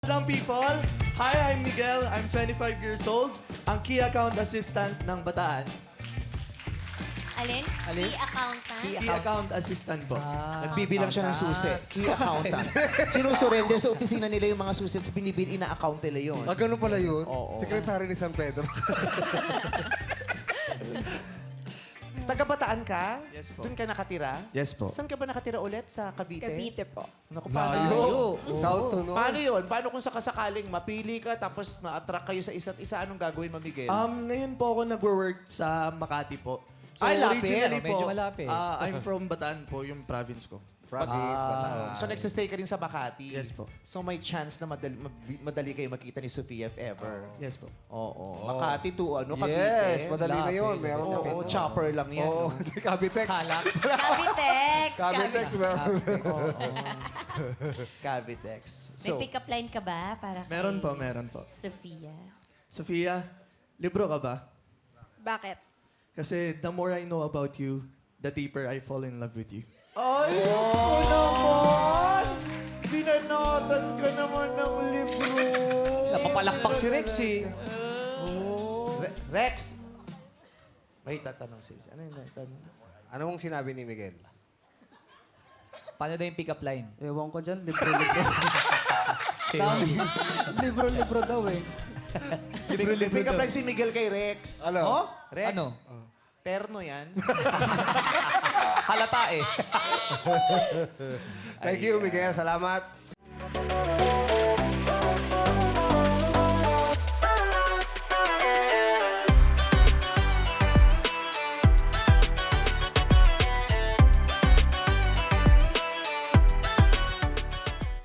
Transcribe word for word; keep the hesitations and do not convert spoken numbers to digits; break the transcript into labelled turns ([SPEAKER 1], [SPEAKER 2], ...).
[SPEAKER 1] Lang people, hi, I'm Miguel. I'm twenty-five years old. Ang key account assistant ng Bataan.
[SPEAKER 2] Alin?
[SPEAKER 3] Alin?
[SPEAKER 2] Key accountant?
[SPEAKER 1] Key account assistant po.
[SPEAKER 4] Nagbibilang siya ng susi. Key accountant. Sinusurrender sa opisina nila yung mga susi at binibili ina-account nila yun.
[SPEAKER 5] Ah, ganun pala yun?
[SPEAKER 4] Oo.
[SPEAKER 5] Sekretary ni San Pedro.
[SPEAKER 4] Taga-Bataan ka?
[SPEAKER 1] Yes po.
[SPEAKER 4] Doon ka nakatira?
[SPEAKER 1] Yes po.
[SPEAKER 4] Saan ka ba nakatira ulit? Sa Cavite?
[SPEAKER 3] Cavite po.
[SPEAKER 4] Naku, paano?
[SPEAKER 5] Layo. South to North.
[SPEAKER 4] Paano yun? Paano kung sakasakaling mapili ka tapos ma-attract kayo sa isa't isa? Anong gagawin mo, Miguel?
[SPEAKER 1] Um, ngayon po ako nag-work sa Makati po. So,
[SPEAKER 4] Ay, lapit.
[SPEAKER 1] originally po,
[SPEAKER 3] Medyo malapit.
[SPEAKER 1] ah, I'm from Bataan po, yung province ko.
[SPEAKER 5] Province, Bataan.
[SPEAKER 4] So, nagsastay ka rin sa Makati?
[SPEAKER 1] Yes po.
[SPEAKER 4] So, may chance na madali, mab- madali kayo makita ni Sofia if ever?
[SPEAKER 1] Yes po.
[SPEAKER 4] Oo. Makati to, ano, Cavite?
[SPEAKER 5] Yes, madali na
[SPEAKER 3] Lapit.
[SPEAKER 5] yun. Meron
[SPEAKER 4] Oo,
[SPEAKER 5] na.
[SPEAKER 4] chopper lang yan.
[SPEAKER 5] Oo,
[SPEAKER 4] no?
[SPEAKER 5] Cavitex.
[SPEAKER 3] Halak.
[SPEAKER 2] Cavitex!
[SPEAKER 5] Cavitex, meron.
[SPEAKER 4] Cavitex.
[SPEAKER 2] May
[SPEAKER 4] So,
[SPEAKER 2] pick-up line ka ba para kay
[SPEAKER 1] Meron po, meron po.
[SPEAKER 2] Sofia?
[SPEAKER 1] Sofia, libro ka ba?
[SPEAKER 3] Bakit?
[SPEAKER 1] Kasi the more I know about you, the deeper I fall in love with you.
[SPEAKER 4] ay, Diyos ko naman! Binanatan ka naman ng libro.
[SPEAKER 3] Napapalakpak si Rex eh.
[SPEAKER 4] Re- Rex! May tatanong sis. Ano yung tatanong?
[SPEAKER 5] Anong sinabi ni Miguel?
[SPEAKER 3] Paano daw yung pick-up line?
[SPEAKER 6] Ewan ko dyan, libro-libro. Dami. Libro-libro daw eh.
[SPEAKER 4] Pick up lang si Miguel kay Rex.
[SPEAKER 5] Ano?
[SPEAKER 3] Oh?
[SPEAKER 4] Rex?
[SPEAKER 3] Ano?
[SPEAKER 4] Terno yan.
[SPEAKER 3] Halata eh.
[SPEAKER 5] Thank you, Miguel. Salamat.